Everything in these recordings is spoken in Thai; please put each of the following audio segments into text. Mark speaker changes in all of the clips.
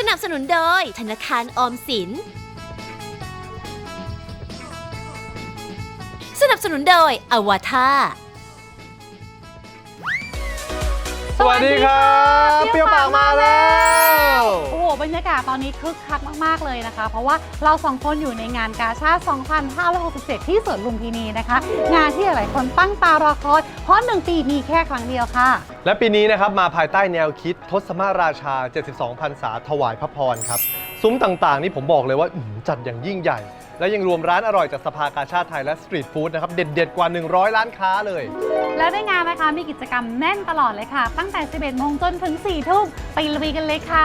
Speaker 1: นับสนุนโดยธนาคารออมสินสนับสนุนโดยอวตาร
Speaker 2: สวัสดีครับเปรี้ยวปากมาแล้ว
Speaker 3: โอ้โหบรรยากาศตอนนี้คึกคักมากๆเลยนะคะเพราะว่าเราสองคนอยู่ในงานกาชาด2567ที่สวนลุมพินีนะคะงานที่หลายคนตั้งตารอคอยเพราะ1 ปีมีแค่ครั้งเดียวค่ะ
Speaker 2: และปีนี้นะครับมาภายใต้แนวคิดทศมาราชา 72 พรรษาถวายพระพรครับซุ้มต่างๆนี่ผมบอกเลยว่าจัดอย่างยิ่งใหญ่และยังรวมร้านอร่อยจากสภากาชาดไทยและสตรีทฟู้ดนะครับเด็ดๆกว่า100ร้านค้าเลย
Speaker 3: และในงานนะคะมีกิจกรรมแน่นตลอดเลยค่ะตั้งแต่ 11 โมงจนถึง 4 ทุ่มไปลุยกันเลยค่ะ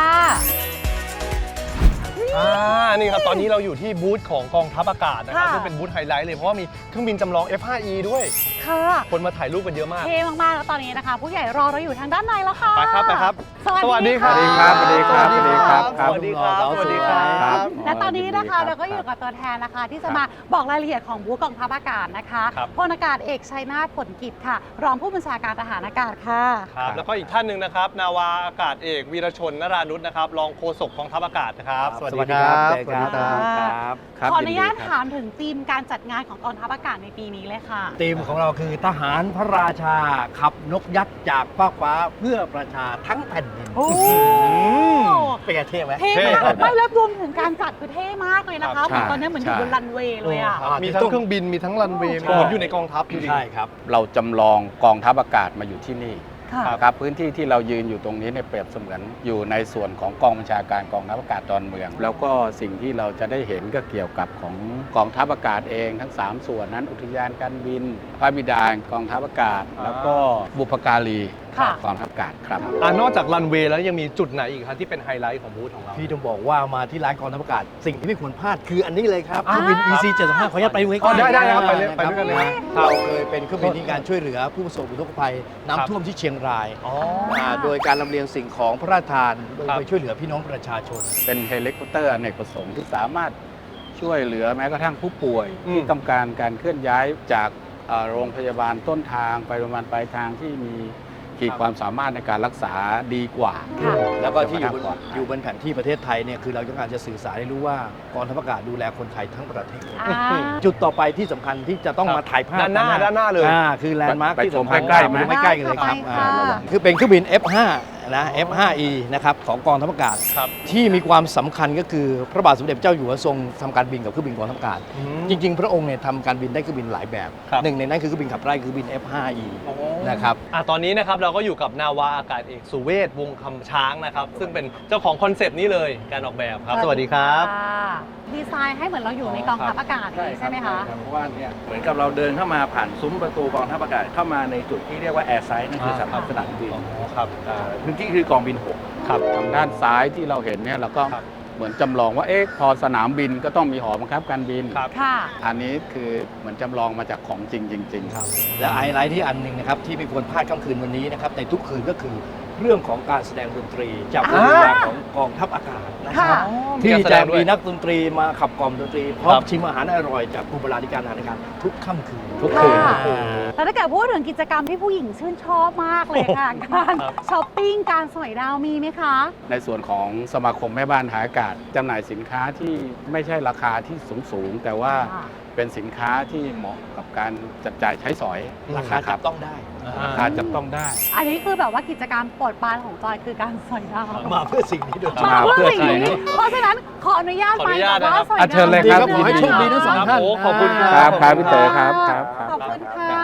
Speaker 2: นี่ครับตอนนี้เราอยู่ที่บูธของกองทัพอากาศนะครับซึ่งเป็นบูธไฮไลท์เลยเพราะว่ามีเครื่องบินจำลอง F5E ด้วย
Speaker 3: ค่ะ
Speaker 2: คนมาถ่ายรูปกันเยอะมาก
Speaker 3: เท่มากๆแล้วตอนนี้นะคะผู้ใหญ่รอเราอยู่ทางด้านในแล้วค่ะ
Speaker 2: ไปครับ
Speaker 3: สวัสดีครับ
Speaker 2: สวัสดีครับ
Speaker 4: สวัสดีครับ
Speaker 2: สวัสดีครับสวัสดีครับ
Speaker 3: และตอนนี้นะคะเราก็อยู่กับตัวแทนนะคะที่จะมาบอกรายละเอียดของบูธกองทัพอากาศนะคะพลอากาศเอกชัยนาทผลกิจค่ะรองผู้บัญชาการทหารอากาศค่ะ
Speaker 2: ครับแล้วก็อีกท่านหนึ่งนะครับนาวาอากาศเอกวีรชนนรานุชนะครับรองโฆษกกองทัพอากาศนะครับ
Speaker 4: สวัสดีครับ
Speaker 3: ขออนุญาตถามถึงธีมการจัดงานของกองทัพอากาศในปีนี้เลยค่ะ
Speaker 4: ธีมของเราคือทหารพระราชาขับนกยักษ์จากฟากฟ้าเพื่อประชาทั้งแผ่นดินเป็นไงเท่ไหม
Speaker 3: เท่มากไม่แล้วรวมถึงการจัดคือเท่มากเลยนะคะเหมือนตอนนี้เหมือนอยู่บนรันเวย์เลยอ่ะ
Speaker 2: มีทั้งเครื่องบินมีทั้งรันเวย์เหมือนอยู่ในกองทัพอยู่ดี
Speaker 4: ใช่ครับ
Speaker 5: เราจำลองกองทัพอากาศมาอยู่ที่นี่
Speaker 3: ค
Speaker 5: ครับพื้นที่ที่เรายืนอยู่ตรงนี้เนี่ยเปรียบเสมือนอยู่ในส่วนของกองบัญชาการกองทัพอากาศดอนเมือง แล้วก็สิ่งที่เราจะได้เห็นก็เกี่ยวกับของกองทัพอากาศเองทั้ง3ส่วนนั้นอุทยานการบินพระบิดากองทัพอากาศแล้วก็บุพการีกองทัพอากาศครับ
Speaker 2: นอกจากรันเวย์แล้วยังมีจุดไหนอีกครับที่เป็นไฮไลท์ของบูธของเรา
Speaker 4: พี่ต้องบอกว่ามาที่ร้านกองทัพอากาศสิ่งที่ไม่ควรพลาดคืออันนี้เลยครับเครื่องบิน EC75 ขออนุญาตไปดูใกล้
Speaker 2: ๆได้ครับไปด้วยกันเลย
Speaker 4: เราเคยเป็นเครื่องบินที่การช่วยเหลือผู้ประสบอุทกภัยน้ำท่วมที่เชียงรายโดยการลำเลียงสิ่งของพระราชทานโดยไปช่วยเหลือพี่น้องประชาชน
Speaker 5: เป็นเฮลิคอปเตอร์อเนกประสงค์ที่สามารถช่วยเหลือแม้กระทั่งผู้ป่วยที่ต้องการการเคลื่อนย้ายจากโรงพยาบาลต้นทางไปโรงพยาบาลปลายทางที่มีขีดความสามารถในการรักษาดีกว่า
Speaker 4: แล้วก็ที่อยู่บนแผนที่ประเทศไทยเนี่ยคือเราต้องการจะสื่อสารให้รู้ว่ากองทัพอากาศดูแลคนไทยทั้งประเทศจุดต่อไปที่สำคัญที่จะต้องมาถ่ายภาพ
Speaker 2: ด้านหน้าเลย
Speaker 4: คือแลนด์มาร์คที่สำคัญ
Speaker 5: ใกล้ๆไหม
Speaker 4: ไม่ใกล้กันเลยครับคือเป็นเครื่องบิน F5 นะ F5E นะครับของกองทัพอากาศที่มีความสำคัญก็คือพระบาทสมเด็จเจ้าอยู่หัวทรงทำการบินกับเครื่องบินกองทัพอากาศจริงๆพระองค์เนี่ยทำการบินได้เครื่องบินหลายแบบหนึ่งในนั้นคือเครื่องบินขับไล่คือบิน F5E นะครับ
Speaker 2: ตอนนี้นะครับเราก็อยู่กับนาวาอากาศเอกสุเวศวงศ์คำช้างนะครับซึ่งเป็นเจ้าของคอนเซปต์นี้เลยการออกแบบครับสวัสดีครับ
Speaker 3: ดีไซน์ให้เหมือนเราอยู่ในกองทัพอากาศใช่ไหมคะ
Speaker 5: เพราะว่าเนี่ยเหมือนกับเราเดินเข้ามาผ่านซุ้มประตูกองทัพอากาศเข้ามาในจุดที่เรียกว่าแอร์ไซด์นั่นคือสนามบินพื้นที่คือกองบิน6ครับทางด้านซ้ายที่เราเห็นเนี่ยเราก็เหมือนจำลองว่าพอสนามบินก็ต้องมีหอบังคับการบินอันนี้คือเหมือนจำลองมาจากของจริงๆครับ
Speaker 4: และไฮไลท์ที่อันหนึ่งนะครับที่ไม่ควรพลาดค่ำคืนวันนี้นะครับในทุกคืนก็คือเรื่องของการแสดงดนตรีจากวงดนตรีของกองทัพอากาศนะครับที่จะมีนักดนตรีมาขับกล่อมดนตรีพร้อมชิมอาหารอร่อยจากผู้บริการทหารอากาศทุกค่ำคืน
Speaker 3: แล้วถ้าเกิดพูดถึงกิจกรรมที่ผู้หญิงชื่นชอบมากเลยค่ะการช้อปปิ้งการสอยดาวมีไหมคะ
Speaker 5: ในส่วนของสมาคมแม่บ้านทหารอากาศจำหน่ายสินค้าที่ไม่ใช่ราคาที่สูงแต่ว่าเป็นสินค้าที่เหมาะกับการจับจ่ายใช้สอย
Speaker 4: ราคาจับต้องได้
Speaker 3: อันนี้คือแบบว่ากิจกรรมโปรดปรานของจอยคือการสอยดาว
Speaker 4: มาเพื่อสิ่งนี้โดย
Speaker 3: มาเพื่อสิ่งนี้เพราะฉะนั้นขออนุญาตไปแบบว่าสอยดาว
Speaker 5: เชิญเลยครับ
Speaker 4: ขอให้โชคดีทั้งสองท่าน
Speaker 2: ขอบคุณครับ
Speaker 5: พี่เต๋อครับ
Speaker 3: ขอบคุณค่ะ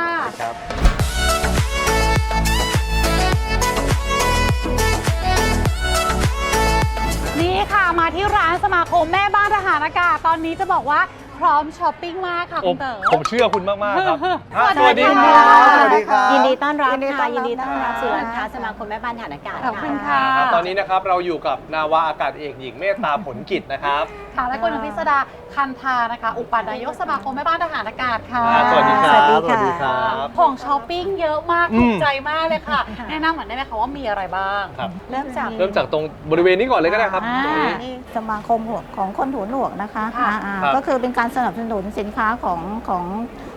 Speaker 3: นี่ค่ะมาที่ร้านสมาคมแม่บ้านทหารอากาศตอนนี้จะบอกว่าพร้อมช้อปปิ้งมากค่ะคุณเต๋อ
Speaker 2: ผมเชื่อคุณมากๆครับ
Speaker 1: สวัสดีค่ะ
Speaker 2: สวัสดีครับ
Speaker 1: ยินดีต้อนรับค่ะยินดีต้อนรับสู่ร้านค้าสมาคมแม่บ้านทหารอากาศ
Speaker 3: ขอบคุณค่ะ
Speaker 2: ตอนนี้นะครับเราอยู่กับนาวาอากาศเอกหญิงเมตตาผลกิจนะครับ
Speaker 3: ค่ะและคุณพิสดาคันธานะคะอุปนายกสมาคมแม่บ้านทหารอากาศค่ะ
Speaker 2: สวัสดีครับสวัสดีครับ
Speaker 3: ของช้อปปิ้งเยอะมากถูกใจมากเลยค่ะแนะนำหน่อยได้ไหมคะว่ามีอะไรบ้าง
Speaker 1: เริ่ม
Speaker 2: จากตรงบริเวณนี้ก่อนเลยก็ได้ครับ
Speaker 6: นี่สมาคมของคนหูหนวกนะคะก็คือเป็นการสนับสนุนสินค้าของ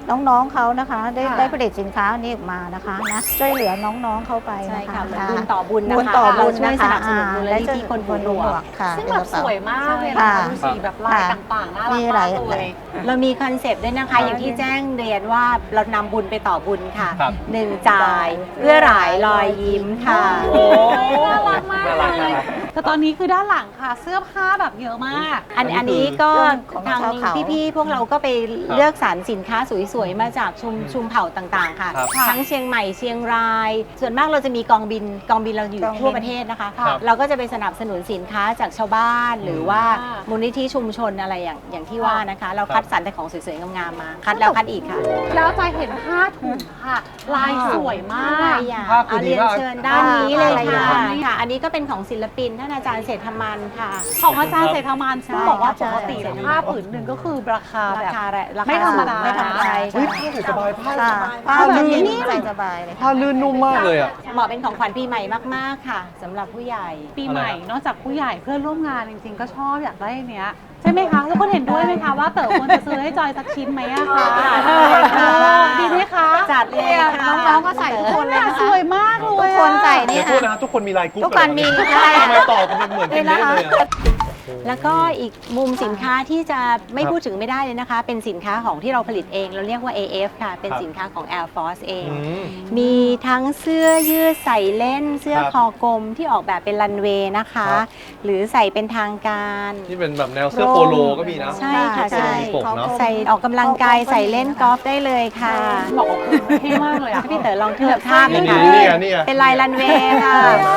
Speaker 6: น้องๆเขานะคะได้
Speaker 3: ค่ะ
Speaker 6: ได้ผลิตสินค้านี้ออกมานะคะนะช่วยเหลือน้องๆเข้าไป
Speaker 1: ใช่
Speaker 6: นะ
Speaker 1: ค่ะ
Speaker 6: คะ
Speaker 1: เหมือนบุญต่อบุญนะคะ
Speaker 6: บุญต่อบุญ
Speaker 1: เราช่วย
Speaker 6: นะคะ
Speaker 1: สนับสนุนมูลนิธิคนหูหนวก
Speaker 6: ค่ะ
Speaker 3: ซึ่งแบบสวยมากเลยนะ
Speaker 6: ค่ะ
Speaker 3: คะดูสีแบบลายต่างๆน่ารัก
Speaker 6: มีห
Speaker 3: มา
Speaker 6: ลาย
Speaker 3: กเลย
Speaker 1: เรามีคอนเซปต์ด้วยนะคะ อย่างที่แจ้งเรียนว่าเรานำบุญไปต่อบุญค่ะ
Speaker 2: ครับ
Speaker 1: หนึ่งจ่ายเพื่อหลายรอยยิ้มค่ะ
Speaker 2: โอ้
Speaker 3: น่ารักมาก
Speaker 2: น่ารัก
Speaker 3: เล
Speaker 2: น่าย รัก
Speaker 3: แต่ตอนนี้คือด้านหลังค่ะ เสื้อผ้าแบบเยอะมาก
Speaker 1: อันนี้ก็
Speaker 6: ของ
Speaker 1: ทาง
Speaker 6: ชาวเขา
Speaker 1: พี่ๆพวกเราก็ไปเลือกสรรสินค้าสวยๆมาจากชุมเผ่าต่างๆค่ะ
Speaker 2: ครับ
Speaker 1: ทั้งเชียงใหม่เชียงราย ส่วนมากเราจะมีกองบินเราอยู่
Speaker 6: กองบิน
Speaker 1: ทั่วประเทศนะคะ
Speaker 2: ครับ
Speaker 1: เราก็จะไปสนับสนุนสินค้าจากชาวบ้าน หรือว่า
Speaker 3: อ่า
Speaker 1: มูลนิธิชุมชนอะไรอย่างที่ว่านะคะ เรา
Speaker 2: ครับ
Speaker 1: คัดสรรแต่ของสวยๆงามๆมา คัดแล้วคัดอีกค่ะ
Speaker 3: แล้วใจเห็นผ้าถุงค่ะ ลายสวยมาก
Speaker 2: ภาพคือดี
Speaker 1: เรียน
Speaker 2: มาก
Speaker 1: เชิญด้านนี้เลย
Speaker 6: อะไรอย่าง
Speaker 1: ค่ะ
Speaker 6: นี้
Speaker 1: ค่ะ อันนี้ก็เป็นของศิลปินท่านอาจารย์เศรษฐมันค่ะ
Speaker 3: ของอาจารย์เศรษฐมานซึ่งบอกว่า
Speaker 6: ใช่
Speaker 3: ปกติแล้วผ้าผืนหนึ่งก็คือราคาแบบ
Speaker 1: ราคา
Speaker 3: ไม่ธรรมดา
Speaker 1: ไม่ธรรมดา
Speaker 2: เฮ้ยผ้าใส่สบายผ้า
Speaker 6: ค่ะผ้า
Speaker 2: ผ้า
Speaker 6: แบบ
Speaker 2: ลื่น
Speaker 6: นี้ใส่สบายเลย
Speaker 2: ผ้าลื่นนุ่มมากเลยอ่ะ
Speaker 1: เหมาะเป็นของขวัญปีใหม่มากๆค่ะสำหรับผู้ใหญ่
Speaker 3: ปีใหม่
Speaker 2: อะไรครับ
Speaker 3: นอกจากผู้ใหญ่เพื่อนร่วมงานจริงๆ ก็ชอบอยากได้อันเนี้ยใช่ไหมคะทุกคนเห็นด้วยไหมคะว่าเต๋อควรจะซื้อให้จอยสักชิ้นไหมอะคะ ดีไหมคะ
Speaker 1: จัดเลยค่ะ
Speaker 6: น้องๆก็ใส่ทุกคนเลยนะคะ
Speaker 3: สวยมากเลย
Speaker 6: ทุกคนใส่
Speaker 2: เดี๋
Speaker 6: นี่
Speaker 2: ยวโทษนะครับทุกคนมีลายกรุ๊ป
Speaker 6: ทุกคนมี
Speaker 2: เหรอ
Speaker 6: ได้
Speaker 2: ทำไมต่อกันเหมือนกันเละเลยอะ
Speaker 1: แล้วก็อีกมุมสินค้าที่จะไม่พูดถึงไม่ได้เลยนะคะ เป็นสินค้าของที่เราผลิตเอง เราเรียกว่า AF ค่ะ เป็นสินค้าของ Air Force เอง
Speaker 2: อืม
Speaker 1: มีทั้งเสื้อยืดใส่เล่น เสื้อ
Speaker 2: ครับ
Speaker 1: คอกลมที่ออกแบบเป็นรันเวย์นะคะ
Speaker 2: ครับ
Speaker 1: หรือใส่เป็นทางการ
Speaker 2: นี่เป็นแบบแนวเสื้อโปโลก็มีนะ
Speaker 1: ใช่ค่ะใช่
Speaker 2: มีปกเนอะ
Speaker 1: ใส่ออกกำลังกายใส่เล่นกอล์ฟได้เลยค่ะ
Speaker 3: เหมาะกับคุณเท่มากเลยอะ
Speaker 1: พี่เต๋อลองเทียบภาพ
Speaker 2: นี่
Speaker 1: เลย
Speaker 2: นี่
Speaker 1: ค่ะ
Speaker 2: นี่ไงนี่ไง
Speaker 1: เป็นลายรันเวย์ค่ะ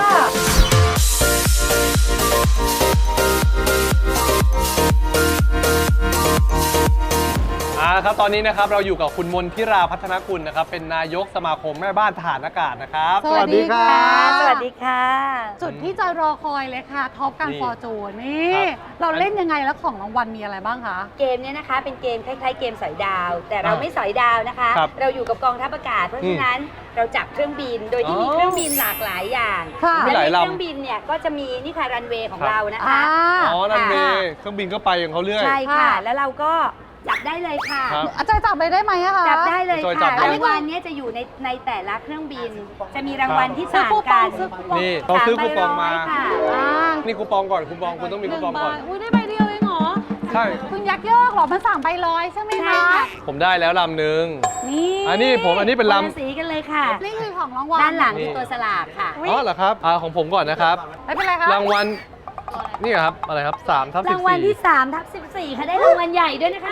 Speaker 2: ครับตอนนี้นะครับเราอยู่กับคุณมนทิราพัฒนกุลนะครับเป็นนายกสมาคมแม่บ้านทหารอากาศนะครับ
Speaker 3: สวัสดีค่ะ
Speaker 1: สวัสดีค่ะ
Speaker 3: จุดที่จอยรอคอยเลยค่ะท็อปการ
Speaker 2: นี่
Speaker 3: ฟอร์จูนนี่
Speaker 2: ครับ
Speaker 3: เราเล่นยังไงแล้วของรางวัลมีอะไรบ้างคะ
Speaker 7: เกมเนี้นะคะเป็นเกมคล้ายๆเกมสอยดาว แต่เราไม่สอยดาวนะคะ
Speaker 2: ครับ
Speaker 7: เราอยู่กับกองทัพอากาศ เพราะฉะนั้นเราจับเครื่องบินโดยที่
Speaker 2: อ๋อ
Speaker 7: มีเครื่องบินหลากหลายอย่าง
Speaker 3: ค่ะ
Speaker 2: มี
Speaker 7: และ
Speaker 2: หลาย
Speaker 7: ใน
Speaker 2: ลำ
Speaker 7: เครื่องบินเนี่ยก็จะมีนี่ค่ะรันเวย์ของ
Speaker 2: ครับ
Speaker 7: เรานะคะ
Speaker 2: อ๋อนั่นเมย์เครื่องบินก็ไปของเขาเรื่อย
Speaker 7: ใช่ค่ะ
Speaker 3: ค่ะ
Speaker 7: แล้วเราก็จับได้เลยค่ะ
Speaker 2: ครับ
Speaker 3: อาจารย์จับเลยได้ไหมอะคะ
Speaker 7: จับได้เลย
Speaker 2: จอยจั
Speaker 7: ค่ะ
Speaker 2: บได้
Speaker 7: รางวัลเนี้จะอยู่ในแต่ละเครื่องบิน จะมีรางวัลที่
Speaker 3: ซื้อ
Speaker 7: ต่าง
Speaker 3: คูป
Speaker 7: กั
Speaker 3: อง
Speaker 7: น
Speaker 3: ซื้อคูปอง
Speaker 2: นี่ต้องซื้อคูปองมา
Speaker 7: 300ค่ะ
Speaker 3: อ่า
Speaker 2: นี่คูปองก่อนคูปองคุณต้องมีคูปองก่อน
Speaker 3: 1 ใบอุ้ยได้ใบเดียวเองเหรอ
Speaker 2: ใช่
Speaker 3: คุณยักยอกเหรอมัน3 ใบร้อยใช่ไหม
Speaker 7: ใช่
Speaker 3: คะ
Speaker 7: ค่ะ
Speaker 2: ผมได้แล้วลำหนึ่ง
Speaker 3: นี่
Speaker 2: อันนี้เป็น
Speaker 7: คน
Speaker 2: ล
Speaker 7: ละสีกันเลยค่ะ
Speaker 3: นี่คือของรางวัล
Speaker 7: ด้านหลัง
Speaker 2: นี่
Speaker 7: คือตัวสลากค่ะ
Speaker 2: ำอ๋อเหรอครับของผมก่อนนะครับ
Speaker 3: ไม่เป็นไรครับ
Speaker 2: รางวัลนี่ครับอะไรครับ3/14
Speaker 7: รางวัลที่3/14ค่ะได้รางวัลใหญ่ด้วยนะคะ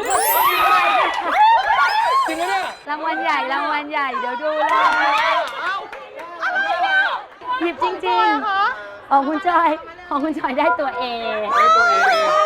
Speaker 2: จริงไหมเนี่ย
Speaker 7: รางวัลใหญ่เดี๋ยวดูเลยหยิบจริงๆของคุณจอยได้ตัว A
Speaker 2: ได้ตัวเอง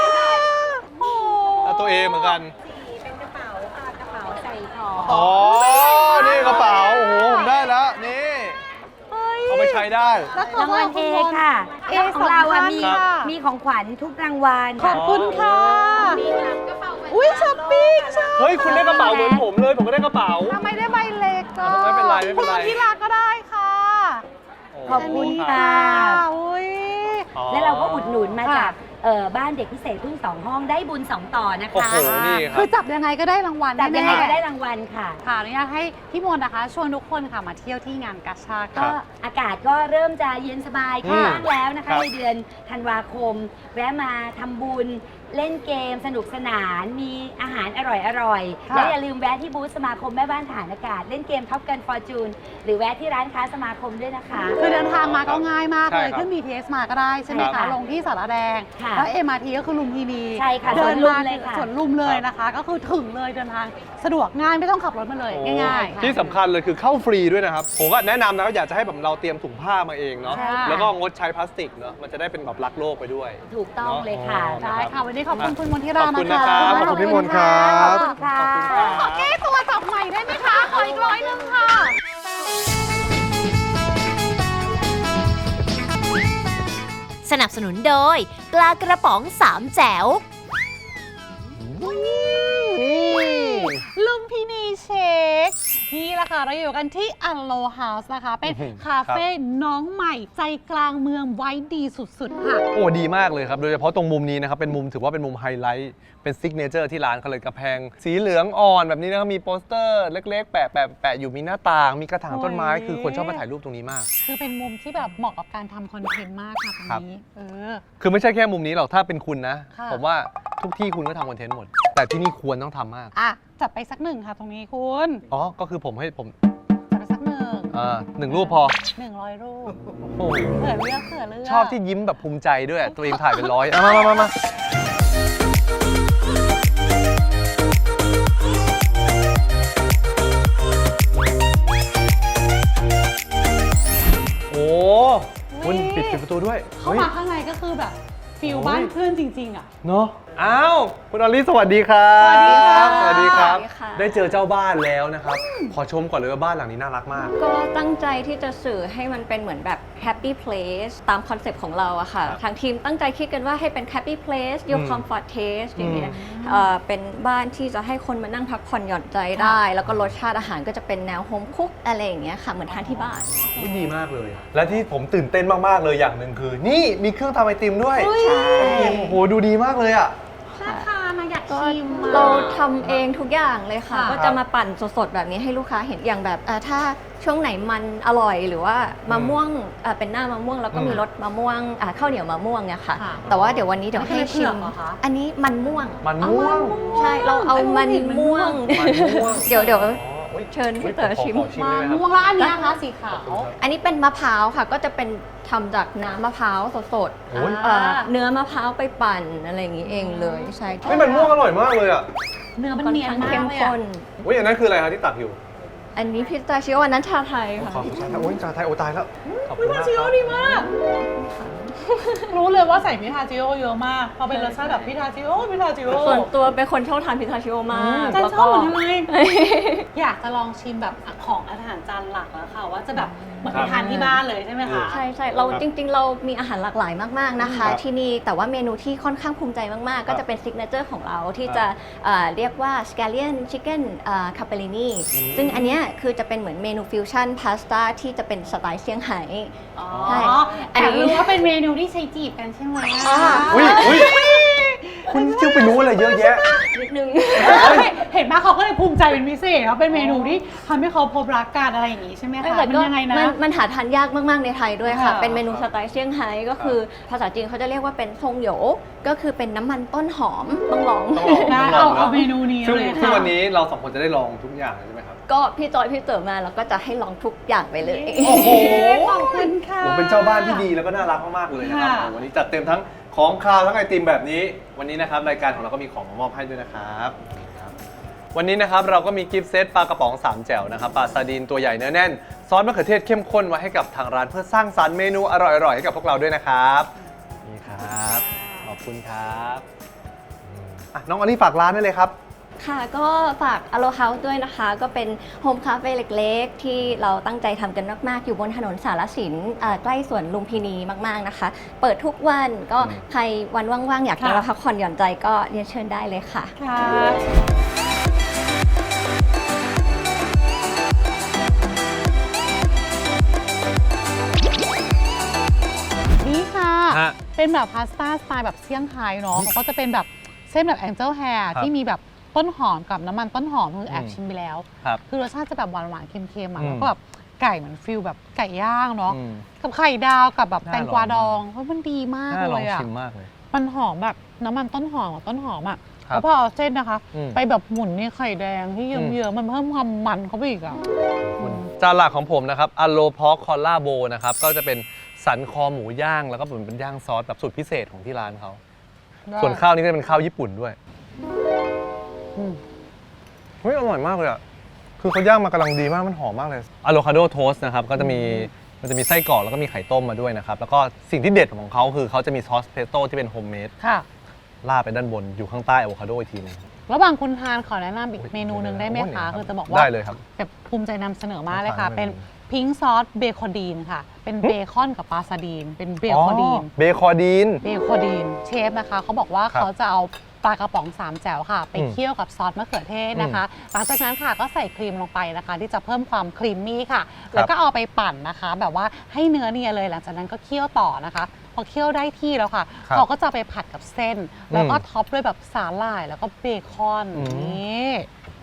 Speaker 2: เอาตัวเองเหมือนกัน
Speaker 1: เป็นกระเป๋าค่ะกระเป๋าใส่ของ
Speaker 2: อ๋อ นี่กระเป๋า โอ้โห ผมได้แล้ว นี่ เอาไปใช้ได้
Speaker 3: แล้วขอ
Speaker 7: ราง
Speaker 3: ง
Speaker 7: วัล
Speaker 3: คุ
Speaker 7: A
Speaker 3: ณมนต์
Speaker 7: ค่ะ
Speaker 3: A
Speaker 7: แล้วของเราอะ
Speaker 3: 2,000
Speaker 7: มี
Speaker 3: ค่ะ
Speaker 7: มีของขวัญทุกรางวัล
Speaker 3: ขอบคุณค่ะ
Speaker 1: มีค่ะกระเป๋า
Speaker 3: อุ้ยช้อปปิ้งช้อป
Speaker 2: เฮ้ย คุณได้กระเป๋าเหมือนผมเลย ผมก็ได้กระเป๋า
Speaker 3: ทำไมได้ใบเล็กก็
Speaker 2: ไม่เป็นไรไม่เป็นไร
Speaker 3: คุณที่รักก็ได้ค่ะ
Speaker 7: ขอบคุณค่ะ
Speaker 3: อุ้ย
Speaker 2: อ๋อ
Speaker 7: แล้วเราก็อุดหนุนมา
Speaker 3: ค่ะ
Speaker 7: จากบ้านเด็กพิเศษทุ่ง2 ห้องได้บุญ 2 ต่อนะ
Speaker 2: โอ้
Speaker 7: คะ
Speaker 2: โห นี่ครั
Speaker 3: คือบ จับยังไงก็ได้รางวัล
Speaker 7: แต่ยังไงก็
Speaker 3: แน่ๆ
Speaker 7: ได้รางวัลค่ะ
Speaker 3: ค่ะอนุญาตให้พี่มนต์นะคะ ชวนทุกคนค่ะมาเที่ยวที่งานกาชาด
Speaker 2: ครั
Speaker 7: ก็
Speaker 2: บ
Speaker 7: อากาศก็เริ่มจะเย็นสบายขึ้น
Speaker 2: อืม
Speaker 7: บ้างแล้วนะ
Speaker 2: ครั
Speaker 7: คะ
Speaker 2: บ
Speaker 7: ในเดือนธันวาคม แวะมาทำบุญเล่นเกมสนุกสนาน มีอาหารอร่อยๆ
Speaker 3: ค่ะ
Speaker 7: และอย่าลืมแวะที่บูธสมาคมแม่บ้านฐานอากาศ เล่นเกมท็อปกันฟอร์จูนหรือแวะที่ร้านค้าสมาคมด้วยนะคะ
Speaker 3: คือเดินทางมาก็ง่ายมาก
Speaker 2: ใช่
Speaker 3: เลย
Speaker 2: ครับ
Speaker 3: ขึ้น BTS มาก็ได้ใช่ไหม
Speaker 7: ใช่
Speaker 3: คะ
Speaker 7: ค่ะ
Speaker 3: ลงที่สารแดง
Speaker 7: ค่ะ
Speaker 3: แล้ว MRT ก็คือลุมพินี
Speaker 7: ใช่ค่ะ
Speaker 3: เดิน
Speaker 7: สวนลุ
Speaker 3: มาม
Speaker 7: เลยค่ะ
Speaker 3: สวนลุมเลยนะคะ ก็คือถึงเลยเดินทางสะดวกง่ายไม่ต้องขับรถมาเลย
Speaker 2: โอ้
Speaker 3: ง่ายๆค่ะ
Speaker 2: ที่สำคัญเลยคือเข้าฟรีด้วยนะครับ ผมก็แนะนำนะก็อยากจะให้แบบเราเตรียมถุงผ้ามาเองเนาะ
Speaker 7: ใช่ค่ะ
Speaker 2: แล้วก็งดใช้พลาสติกเนาะ มันจะได้เป็นแบบรักโลกไปด้วย
Speaker 7: ถูกต้องเลยค่ะ
Speaker 2: เนาะ
Speaker 3: ได้ค่ะ วันนี้ขอบคุณคุณมนทิ
Speaker 2: ข
Speaker 3: รา
Speaker 2: อบคุณ
Speaker 3: นะ
Speaker 2: นะคะ ครับขอบคุณพี่มนต์ครับ
Speaker 7: ขอบคุณค่ะ
Speaker 3: ขอแก้ตัวจับใหม่ได้ไหมคะ ขออีก100ค่ะ
Speaker 8: สนับสนุนโดยปลากระป๋อง3แจ๋ว
Speaker 3: ลุมพินีเชคนี่แหละค่ะ เราอยู่กันที่ Aloe House นะคะ เป็นคาเฟ่น้องใหม่ใจกลางเมืองไว้ดีสุดๆค่ะ
Speaker 2: โอ้ดีมากเลยครับโดยเฉพาะตรงมุมนี้นะครับเป็นมุมถือว่าเป็นมุมไฮไลท์เป็นซิกเนเจอร์ที่ร้านเขาเลยกระแพงสีเหลืองอ่อนแบบนี้นะครับมีโปสเตอร์เล็กๆแปะอยู่มีหน้าต่างมีกระถางต้นไม้
Speaker 3: โอ้ย
Speaker 2: คือคนชอบมาถ่ายรูปตรงนี้มาก
Speaker 3: คือเป็นมุมที่แบบเหมาะกับการทำคอนเทนต์มากค่ะตรงนี้
Speaker 2: คือไม่ใช่แค่มุมนี้หรอกถ้าเป็นคุณนะ
Speaker 3: ค่ะ
Speaker 2: ผมว่าทุกที่คุณก็ทำคอนเทนต์หมด แต่ที่นี่ควรต้องทำมาก
Speaker 3: อ่ะ จัดไปสักหนึ่งค่ะตรงนี้คุณ
Speaker 2: อ๋อก็คือผม
Speaker 3: จัดไปสักหนึ่ง
Speaker 2: 1 รูปพอ
Speaker 3: 100 รูป
Speaker 2: โอ้โห
Speaker 3: เผื่อเลือก
Speaker 2: ชอบที่ยิ้มแบบภูมิใจด้วยตัวเองถ่ายเป็นร้อยมาโอ้คุณปิดประตูด้วย
Speaker 3: เข้ามาข้างในก็คือแบบฟิลบ้านเพื่อนจริงๆอ่ะ
Speaker 2: เนาะอ้าวคุณออลลี่สวัสดีครับ
Speaker 3: สวัสดีค่ะ
Speaker 2: สวัสดีครับ
Speaker 9: สวัสดีค่ะ
Speaker 2: ได้เจอเจ้าบ้านแล้วนะครับ ขอชมก่อนเลยว่าบ้านหลังนี้น่ารักมาก
Speaker 9: ก็ตั้งใจที่จะสื่อให้มันเป็นเหมือนแบบ happy place ตามคอนเซปต์ของเราอะค่ะ
Speaker 2: ครับ
Speaker 9: ทางทีมตั้งใจคิดกันว่าให้เป็น happy place your comfort taste อย่างเงี้ยเป็นบ้านที่จะให้คนมานั่งพักผ่อนหย่อนใจได้ แล้วก็รสชาติอาหารก็จะเป็นแนวโฮมคุกอะไรอย่างเงี้ยค่ะเหมือนทานที่บ้าน
Speaker 2: ดีมากเลย และที่ผมตื่นเต้นมากๆเลยอย่างหนึ่งคือ นี่มีเครื่องทำไอติมด้วย
Speaker 9: ใช่
Speaker 2: โอ้โหดูดีมากเลยอ่ะ
Speaker 3: น่าทานนะอยาก
Speaker 9: ก็
Speaker 3: ชิมอะ
Speaker 9: เราทำเองทุกอย่างเลยค่ะ
Speaker 3: ค่ะ
Speaker 9: ก็จะมาปั่นสดๆแบบนี้ให้ลูกค้าเห็นอย่างแบบถ้าช่วงไหนมันอร่อยหรือว่ามะม่วงเป็นหน้ามะม่วงแล้วก็มีรสมะม่วงข้าวเหนียวมะม่วงเนี่ยค่ะ
Speaker 3: ค่ะ
Speaker 9: แต่ว่าเดี๋ยววันนี้เดี๋ยวให้ชิม
Speaker 3: ไม่ใช่เผือกเหรอคะ
Speaker 9: อันนี้มันม่วง
Speaker 2: มันม่วง
Speaker 9: ใช่เราเอามันม่วง
Speaker 2: มันม่วง
Speaker 9: เดี๋ยว
Speaker 2: อ๋ออุ๊ย
Speaker 9: เชิญพี่เต๋อชิม
Speaker 2: ขอชิมได้ไหมครับ
Speaker 3: ม่วงแล้วอันนี้นะคะสีขาว
Speaker 9: อันนี้เป็นมะพร้าวค่ะ ก็จะเป็นทำจากน้ำมะพร้าวสด
Speaker 2: โอ้ย
Speaker 9: เนื้อมะพร้าวไปปั่นอะไรอย่างนี้เองเลยใช่
Speaker 2: ไม่มันม่วงอร่อยมากเลยอ่ะ
Speaker 3: เนื้อมัน
Speaker 9: ค่อน
Speaker 3: เนียน
Speaker 9: ข้าง
Speaker 3: มา
Speaker 9: เข้
Speaker 3: ก
Speaker 9: ม
Speaker 3: เลย
Speaker 9: ข้
Speaker 3: อะ
Speaker 9: น
Speaker 2: อุ้ยอันนั้นคืออะไรครับที่ตักอยู่
Speaker 9: อันนี้พิสตาชิโออันนั้นชาไทยค่ะ
Speaker 2: ขอบคุณชาไทยโอ้ยชาไทยโอ้ตายแล้วขอบคุณมาก
Speaker 3: ชิโอดีมาก รู้เลยว่าใส่พิทาชิโอเยอะมากพอเป็นรสชาติแบบพิทาชิโอ
Speaker 9: ส่วนตัวเป็นคนชอบทานพิสตาชิโอมาก
Speaker 3: จัน
Speaker 9: แล้ว
Speaker 3: ช
Speaker 9: ก็
Speaker 3: อบเหมือนกันเลยอยากจะลองชิมแบบของอาหารจานหลักแล้วค่ะ ว่าจะแบบเหมือนไปทานที่บ้านเลยใช่ไหมคะ
Speaker 9: ใช่ใช่เราจริงๆ เรามีอาหารหลากหลายมากๆนะคะ
Speaker 2: ครับ
Speaker 9: ที่นี่แต่ว่าเมนูที่ค่อนข้างภูมิใจมากๆ ก็จะเป็นซิกเนเจอร์ของเราที่จะเรียกว่า Scallion Chicken Capellini ซึ่งอันเนี้ยคือจะเป็นเหมือนเมนูฟิวชั่นพาสต้าที่จะเป็นสไตล์เซี่ยงไฮ้
Speaker 3: อ๋อ
Speaker 9: ใช่
Speaker 3: แอบรู้ว่าเป็นเมนูที่ใช้จีบกันใช่ไหม
Speaker 2: อุ้ยคุณเที่ยวไปรู้อะไรเยอะแยะ
Speaker 9: นิดนึง
Speaker 3: เห็นไหมเขาก็เลยภูมิใจเป็นพิเศษเขาเป็นเมนูที่ทำให้เขาพบรักกันอะไรอย่างนี้ใช่ไหมคะ
Speaker 9: แต่
Speaker 3: มัน
Speaker 9: ก็
Speaker 3: ยังไงนะ
Speaker 9: มันหาทานยากมาก ๆ ในไทยด้วยค่ะ
Speaker 3: ค่ะ
Speaker 9: เป็นเมนูสไตล์เซี่ยงไฮ้ก็คือภาษาจีนเขาจะเรียกว่าเป็นทงโหยก็คือเป็นน้ำมันต้นหอมต้องลอง
Speaker 3: นะเอาเมนูนี้
Speaker 2: ซึ่ง
Speaker 3: เลย
Speaker 2: ซึ่ง
Speaker 3: ค่ะ
Speaker 2: วันนี้เราสองคนจะได้ลองทุกอย่างเลยใช่ไหมครับ
Speaker 9: ก็พี่จอยพี่เต๋อมาแล้วก็จะให้ลองทุกอย่างไปเลย
Speaker 2: โอ้โห
Speaker 3: ขอบคุณค่ะ
Speaker 2: ผมเป็นเจ้าบ้านที่ดีแล้วก็น่ารักมากๆเลยนะครับ
Speaker 3: ค่ะ
Speaker 2: วันนี้จัดเต็มทั้งของคาวทั้งไอติมแบบนี้ วันนี้นะครับรายการของเราก็มีของมามอบให้ด้วยนะครับวันนี้นะครับเราก็มีกิฟต์เซตปลากระป๋อง3แจ่วนะครับปลาซาดีนตัวใหญ่เนื้อแน่นซอสมะเขือเทศเข้มข้นไว้ให้กับทางร้านเพื่อสร้างสรรค์เมนูอร่อยๆให้กับพวกเราด้วยนะครับนี่ครับขอบคุณครับน้องอลี่ฝากร้านได้เลยครับ
Speaker 9: ค่ะก็ฝาก Aloe House ด้วยนะคะ ก็เป็นโฮมคาเฟ่เล็กๆ ที่เราตั้งใจทำกันมากๆ อยู่บนถนนสารสินใกล้สวนลุมพินีมากๆนะคะ เปิดทุกวันก็ใครวันว่างๆ อยากจะมาพักผ่อนหย่อนใจก็เรียนเชิญได้เลยค่ะ
Speaker 3: ค่ะนี่ค่ะ
Speaker 2: ฮะ
Speaker 3: เป็นแบบพาสต้าสไตล์แบบเซี่ยงไฮ้เนาะเขาก็จะเป็นแบบเส้นแบบแองเจิลแฮร์
Speaker 2: ครับ
Speaker 3: ที่มีแบบต้นหอมกับน้ำมันต้นหอมคือแอบชิมไปแล้ว
Speaker 2: ครับ
Speaker 3: คือรสชาติจะแบบหวานๆเค็มๆอ่ะ
Speaker 2: อืม
Speaker 3: แล้วก็แบบไก่เหมือนฟิลแบบไก่ย่างเนาะ
Speaker 2: อืม
Speaker 3: กับไข่ดาวกับแบบ
Speaker 2: น่า
Speaker 3: แตงกวา
Speaker 2: ลอง
Speaker 3: ดองเพราะมันดีมาก
Speaker 2: น่าล
Speaker 3: เล
Speaker 2: อง
Speaker 3: ยอ่ะ
Speaker 2: ชิมมากเลย
Speaker 3: มันหอมแบบน้ำมันต้นหอมกับต้นหอมอ่ะ
Speaker 2: ครับ
Speaker 3: แล้วพอเอาเส้นนะคะ
Speaker 2: อืม
Speaker 3: ไปแบบหมุนในไข่แดงที่เยิ้มๆมันเพิ่มความมันเข้าไปอีกอ่ะ
Speaker 2: จานหลักของผมนะครับอโลพอกคอลลาโบนะครับก็จะเป็นสันคอหมูย่างแล้วก็เป็นย่างซอสแบบสูตรพิเศษของที่ร้านเขาส่วนข้าวนี่ก็จะเป็นข้าวญี่ปุ่นด้วย
Speaker 3: อืม
Speaker 2: เฮ้ยอร่อยมากเลยอ่ะคือเขาย่างมากำลังดีมากมันหอมมากเลยอะโวคาโดโทสต์นะครับก็จะมีไส้กรอกแล้วก็มีไข่ต้มมาด้วยนะครับแล้วก็สิ่งที่เด็ดของเขาคือเขาจะมีซอสเพสโต้ที่เป็นโฮมเมด
Speaker 3: ค่ะ
Speaker 2: ราดไปด้านบนอยู่ข้างใต้อะโวคาโดอีกทีนึง
Speaker 3: ระหว่างคุณทานขอแนะนำอีกเมนูหนึ่งได้ไหมคะ คือจะบอกว่า
Speaker 2: ได้เลยครับ
Speaker 3: แบบภูมิใจนำเสนอมากเลยค่ะ
Speaker 2: ขอทาน
Speaker 3: เป็น
Speaker 2: ได้เลย
Speaker 3: พิงซอสเบคอนดีนค่ะ เป็นเบคอนกับปลาซาดีน เป็นเบคอนดีน
Speaker 2: เบคอดีน
Speaker 3: เบคอนดีนเชฟนะคะเขาบอกว่า
Speaker 2: ครับ
Speaker 3: เขาจะเอาปลากระป๋อง3แจ๋วค่ะไปเคี่ยวกับซอสมะเขือเทศนะคะหลังจากนั้นค่ะก็ใส่ครีมลงไปนะคะที่จะเพิ่มความครีมมี่ค่ะแล้วก็เอาไปปั่นนะคะ แบบว่าให้เนื้อเนียนเลยหลังจากนั้นก็เคี่ยวต่อนะคะพอเคี่ยวได้ที่แล้วค่ะเขาก็จะไปผัดกับเส้นแล้วก็ท็อปด้วยแบบสาหร่ายแล้วก็เบคอนนี่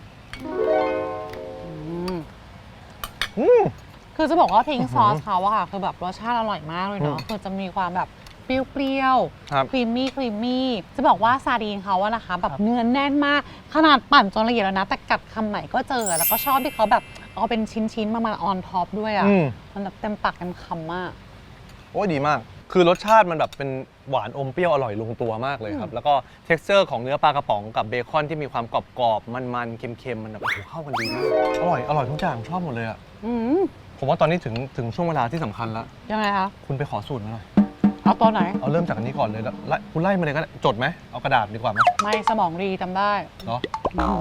Speaker 3: คือจะบอกว่าพิงซอสเขาอะค่ะคือแบบรสชาติอร่อยมากเลยเนาะคือจะมีความแบบเปรี้ยวๆครีมมี่จะบอกว่าซาดีนเขาอะนะคะแบบเนื้อแน่นมากขนาดปั่นจนละเอียดแล้วนะแต่กัดคำไหนก็เจอแล้วก็ชอบที่เขาแบบเอาเป็นชิ้นๆมาออนท็อปด้วยอะมันแบบเต็มปากเต็มคำมาก
Speaker 2: โอ้ยดีมากคือรสชาติมันแบบเป็นหวานอมเปรี้ยวอร่อยลงตัวมากเลยครับแล้วก็ texture ของเนื้อปลากระป๋องกับเบคอนที่มีความกรอบๆมันๆเค็มๆมันแบบโอ้โหเข้ากันดีมากอร่อยทุกอย่างชอบหมดเลยอะผมว่าตอนนี้ถึงช่วงเวลาที่สำคัญแล้ว
Speaker 3: ยังไงคะ
Speaker 2: คุณไปขอสูตรมาหน่อย
Speaker 3: เอาตัวไหน
Speaker 2: เอาเริ่มจากอันนี้ก่อนเลยแล้วคุณไล่มาเลยก็ได้จดไหมเอากระดาษดีกว่าไหม
Speaker 3: ไม่สมองดีจำได้
Speaker 2: เนาะ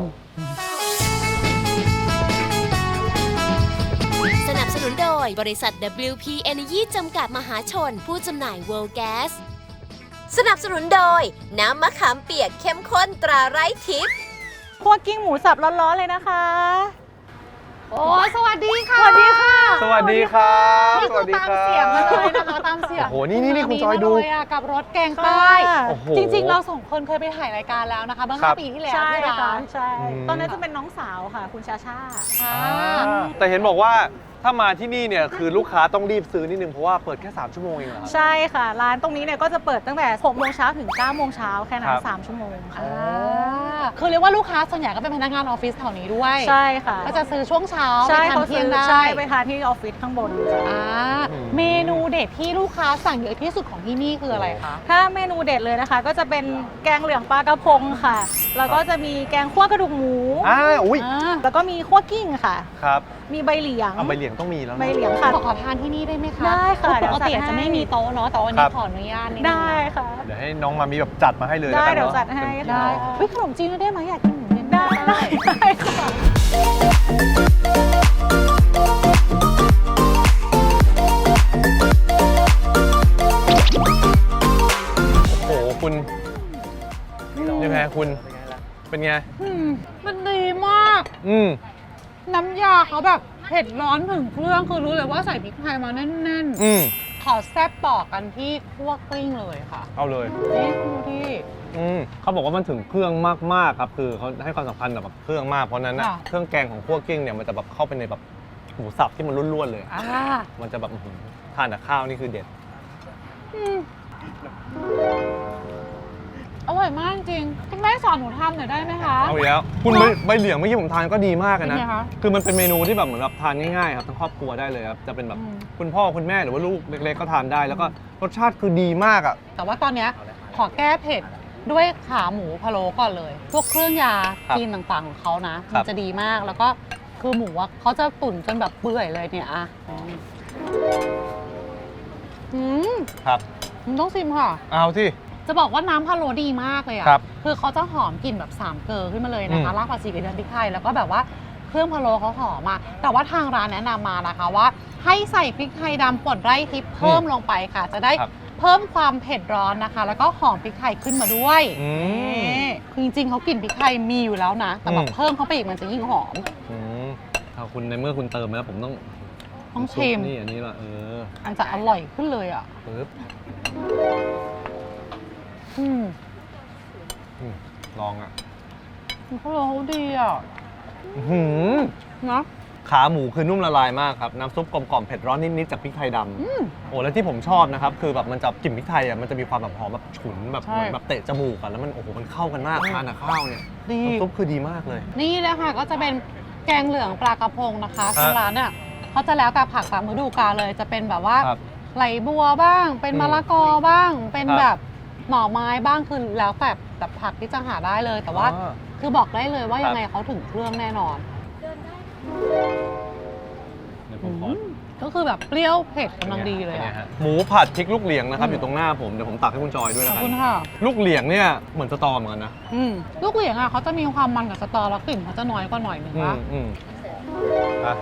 Speaker 8: สนับสนุนโดยบริษัท WP Energy จำกัดมหาชนผู้จำหน่าย World Gas สนับสนุนโดยน้ำมะขามเปียกเข้มข้นตราไร้ทิพย์
Speaker 6: คั่วกิ้งหมูสับร้อนๆเลยนะคะ
Speaker 3: โอ้สวัสดีค่ะสวัสดีค่ะ
Speaker 2: สวัสดีครับ
Speaker 3: นี่คือตามเสียงมาเลยนะคะตามเสียง
Speaker 2: โอ้โหนี่คุณจอยดู
Speaker 3: กับรถแกงใต้จริงๆเราสองคนเคยไปถ่ายรายการแล้วนะคะเมื่อ5 ปีที่แล้ว
Speaker 6: ใช่
Speaker 3: ค่ะ
Speaker 6: ใช่ตอนนั้นจะเป็นน้องสาวค่ะคุณชา
Speaker 2: แต่เห็นบอกว่าถ้ามาที่นี่เนี่ยคือลูกค้าต้องรีบซื้อนิดนึงเพราะว่าเปิดแค่3ชั่วโมงเองเหรอ
Speaker 6: ใช่ค่ะร้านตรงนี้เนี่ยก็จะเปิดตั้งแต่6 โมงเช้าถึง9 โมงเช้าแค่นั้น3 ชั่วโมงค่ะ
Speaker 3: คือเรียกว่าลูกค้าส่วนใหญ่ก็เป็นพนักงานออฟฟิศแถวนี้ด้วย
Speaker 6: ใช่ค่ะ
Speaker 3: ก็จะซื้อช่วงเช้า
Speaker 6: ไป
Speaker 3: ทานเที่ยงได้
Speaker 6: ใช่ไปทานที่ออฟฟิศข้างบน
Speaker 3: เมนูเด็ดที่ลูกค้าสั่งเยอะที่สุดของที่นี่คืออะไรคะ
Speaker 6: ถ้าเมนูเด็ดเลยนะคะก็จะเป็นแกงเหลืองปลากระพงค่ะแล้วก็จะมีแกงคั่วกระดูกหมูแล้วก็มีคั่วกิ้งค่ะ
Speaker 2: ครับ
Speaker 6: มีใบเหลียง
Speaker 2: ใบเหลียงต้องมีแล้ว
Speaker 6: ใบเหลียงค่ะ
Speaker 3: ขอทานที่นี่ได้ไหมคะ
Speaker 6: ได้ค่ะ
Speaker 3: ปกติจะไม่มีโต๊ะเนาะแต่วันนี้ขออนุญาตนิดนึง
Speaker 6: ได้ค่ะ
Speaker 2: เดี๋ยวให้น้องมามีแบบจัดมาให้เลย
Speaker 6: ได้เดี๋ยวจัดให้
Speaker 3: ได้ขนมจีนได้ไหมอยากกินขนมจีน
Speaker 6: ได้ค่ะ
Speaker 2: โอ้โหคุณยังไงคุณเป็นไง
Speaker 3: มันดีมากน้ำยาเขาแบบเผ็ดร้อนถึงเครื่องคือรู้เลยว่าใส่พริกไทยมาแน่นๆขอแซ่บปอกกันที่คั่วกลิ้งเลยค่ะ
Speaker 2: เอาเลย
Speaker 3: นี่ดูที่
Speaker 2: เขาบอกว่ามันถึงเครื่องมากๆครับคือเขาให้ความสำคัญกับเครื่องมากเพราะนั้นนะเครื่องแกงของคั่วกลิ้งเนี่ยมันจะแบบเข้าไปในแบบหมูสับที่มันร่วนๆเลยมันจะแบบทานกับข้าวนี่คือเด็ด
Speaker 3: อร่อยมากจริงคุณแม่สอนหนูทำหน่อยได้ไหมคะ
Speaker 2: เอาแล้วคุณใบเหลียงเมื่อกี้ผมทานก็ดีมากนะคือมันเป็นเมนูที่แบบเหมือนแบบทานง่ายๆครับทั้งครอบครัวได้เลยครับจะเป็นแบบคุณพ่อคุณแม่หรือว่าลูกเล็กๆก็ทานได้แล้วก็รสชาติคือดีมากอ่ะ
Speaker 3: แต่ว่าตอนนี้ขอแก้เผ็ดด้วยขาหมูพะโล้ก่อนเลยพวกเครื่องยาจีนต่างๆของเขานะมันจะดีมากแล้วก็คือหมูว่าเขาจะตุ๋นจนแบบเปื่อยเลยเนี่ยอ่ะ
Speaker 2: ครับ
Speaker 3: มึงต้องชิมค่ะ
Speaker 2: เอาที่
Speaker 3: จะบอกว่าน้ำพะโล้ดีมากเลยอ่ะคือเขาจะหอมกลิ่นแบบ3 เกลอขึ้นมาเลยนะคะรากผักชีกระเทียมพริกไทยแล้วก็แบบว่าเครื่องพะโล้เขาหอมมาแต่ว่าทางร้านแนะนำมานะคะว่าให้ใส่พริกไทยดำป่นไร่ทิพย์เพิ่มลงไปค่ะจะได้เพิ่มความเผ็ดร้อนนะคะแล้วก็หอมพริกไทยขึ้นมาด้วยคือจริงๆเขากลิ่นพริกไทยมีอยู่แล้วนะแต่แบบเพิ่มเข้าไปอีกมันจะยิ่งหอม
Speaker 2: ถ้าคุณในเมื่อคุณเติมแล้วผมต้อง
Speaker 3: ชิม
Speaker 2: นี่อันนี้ละ
Speaker 3: อันจะอร่อยขึ้นเลยอ่ะ
Speaker 2: ลองอ่ะ
Speaker 3: เขาลองเขาดีอ่ะนะ
Speaker 2: ขาหมูคือนุ่มละลายมากครับน้ำซุปกลมๆเผ็ดร้อนนิดๆจากพริกไทยดำโอ้แล้วที่ผมชอบนะครับคือแบบมันจะกลิ่นพริกไทยอ่ะมันจะมีความแบบหอมแบบฉุนแบบเหมือนแบบเตะจมูกอ่ะแล้วมันโอ้โหมันเข้ากันมากทานกับข้าวเนี่ยน้ำซุปคือดีมากเลย
Speaker 3: นี่แหละค่ะก็จะเป็นแกงเหลืองปลากระพงนะคะทางร้านเนี่ยเขาจะแล้วแต่ผักตามฤดูกาลเลยจะเป็นแบบว่าไหลบัวบ้างเป็นมะละกอบ้างเป็นแบบหน่อไม้บ้างคือแล้วแต่ผักที่จะหาได้เลยแต่ว่าคือบอกได้เลยว่ายังไงเขาถึงเครื่องแน่นอนก็คือแบบเปรี้ยวเผ็ดกำลังดีเลย
Speaker 2: หมูผัดพริกลูกเหลียงนะครับอยู่ตรงหน้าผมเดี๋ยวผมตักให้คุณจอยด้วยนะครับ
Speaker 3: ขอบคุณค่ะ
Speaker 2: ลูกเหลียงเนี่ยเหมือนสตอเหมือนกันนะ
Speaker 3: ลูกเหลียงอ่ะเขาจะมีความมันกับสตอแล้วกลิ่นเขาจะน้อยกว่าหน่อยนึงนะ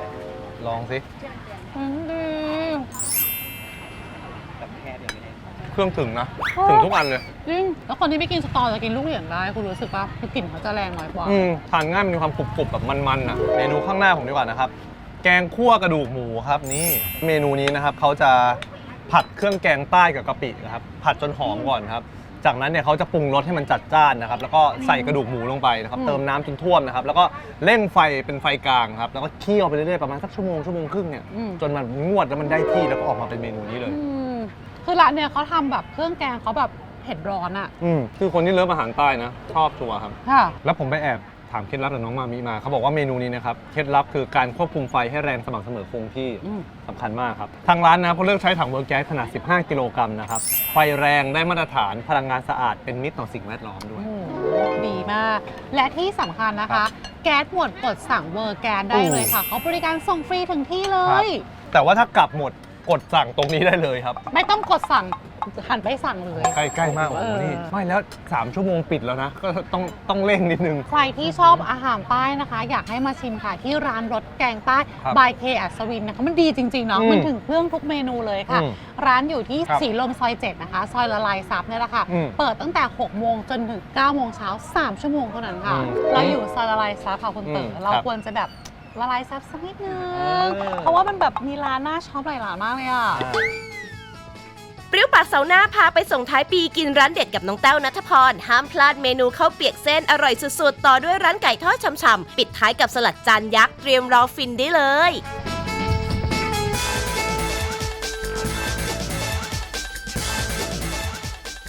Speaker 2: ลองสิ
Speaker 3: ดี
Speaker 2: เครื่องถึงนะ ถึงทุกอันเลย
Speaker 3: จริงแล้วคนที่ไม่กินสตอจะกินลูกเหลียงได้คุณรู้สึกป่ะคือกลิ่นเขาจะแรงน้อยกว่า
Speaker 2: ทานง่ายมีความกรุบๆแบบมันๆนะเมนูข้างหน้าผมดีกว่านะครับ แกงคั่วกระดูกหมูครับนี่เมนูนี้นะครับเขาจะผัดเครื่องแกงใต้กับกะปินะครับผัดจนหอมก่อนครับจากนั้นเนี่ยเขาจะปรุงรสให้มันจัดจ้านนะครับแล้วก็ใส่กระดูกหมูลงไปนะครับเติมน้ำจนท่วมนะครับแล้วก็เร่งไฟเป็นไฟกลางครับแล้วก็เคี่ยวไปเรื่อยๆประมาณสักชั่วโมงครึ่งเนี่ยจนมันงวดแล้วมันได้ที่แล้วก็ออกมาเป็นเมนูนี้เลย
Speaker 3: คือร้านเนี่ยเขาทำแบบเครื่องแกงเขาแบบเผ็ดร้อนอ่ะ
Speaker 2: คือคนที่เลิฟอาหารใต้นะชอบชัวร์ครับ
Speaker 3: ค่ะ
Speaker 2: แล้วผมไปแอบถามเคล็ดลับจากน้องมามิมาเขาบอกว่าเมนูนี้นะครับเคล็ดลับคือการควบคุมไฟให้แรงสม่ำเสมอคงที่สำคัญมากครับทางร้านนะเขาเลือกใช้ถังเวอร์แก๊สขนาด 15 กิโลกรัมนะครับไฟแรงได้มาตรฐานพลังงานสะอาดเป็นมิตรต่อสิ่งแวดล้อมด้วย
Speaker 3: โอ้โหดีมาก และที่สำคัญนะคะ แก๊สหมดกดสั่งเวอร์แก๊สได้เลยค่ะเขาบริการส่งฟรีถึงที่เลย
Speaker 2: แต่ว่าถ้ากลับหมดกดสั่งตรงนี้ได้เลยครับ
Speaker 3: ไม่ต้องกดสั่งหันไปสั่งเลย
Speaker 2: ใกล้ๆมากโอ้โหนี่ไม่แล้ว3 ชั่วโมงปิดแล้วนะก็ต้องเร่งนิดนึง
Speaker 3: ใครที่ชอบอาหารใต้นะคะ อยากให้มาชิมค่ะที่ร้านรสแกงใต้
Speaker 2: ครับ
Speaker 3: บายเคอัศวินนะคะมันดีจริงๆเนาะมันถึงเครื่องทุกเมนูเลยค่ะ ร้านอยู่ที่
Speaker 2: ครับ
Speaker 3: สีลมซอย 7 นะคะ ซอยละลายซับเนี่ยแหละค่ะ เปิดตั้งแต่ 6 โมงจนถึง 9 โมงเช้า 3 ชั่วโมงเท่านั้นค่ะ เราอยู่ซอยละลายซับค่ะคุณเต๋อเราควรจะแบบละลายซับสักนิดนึงเพราะว่ามันแบบมีร้านน่าชอบหลายร้านมากเลยอ่ะ
Speaker 8: เปรี้ยวปากเสาร์หน้าพาไปส่งท้ายปีกินร้านเด็ดกับน้องแต้วณัฐพรห้ามพลาดเมนูข้าวเปียกเส้นอร่อยสุดๆต่อด้วยร้านไก่ทอดช่ำๆปิดท้ายกับสลัดจานยักษ์เตรียมรอฟินได้เลย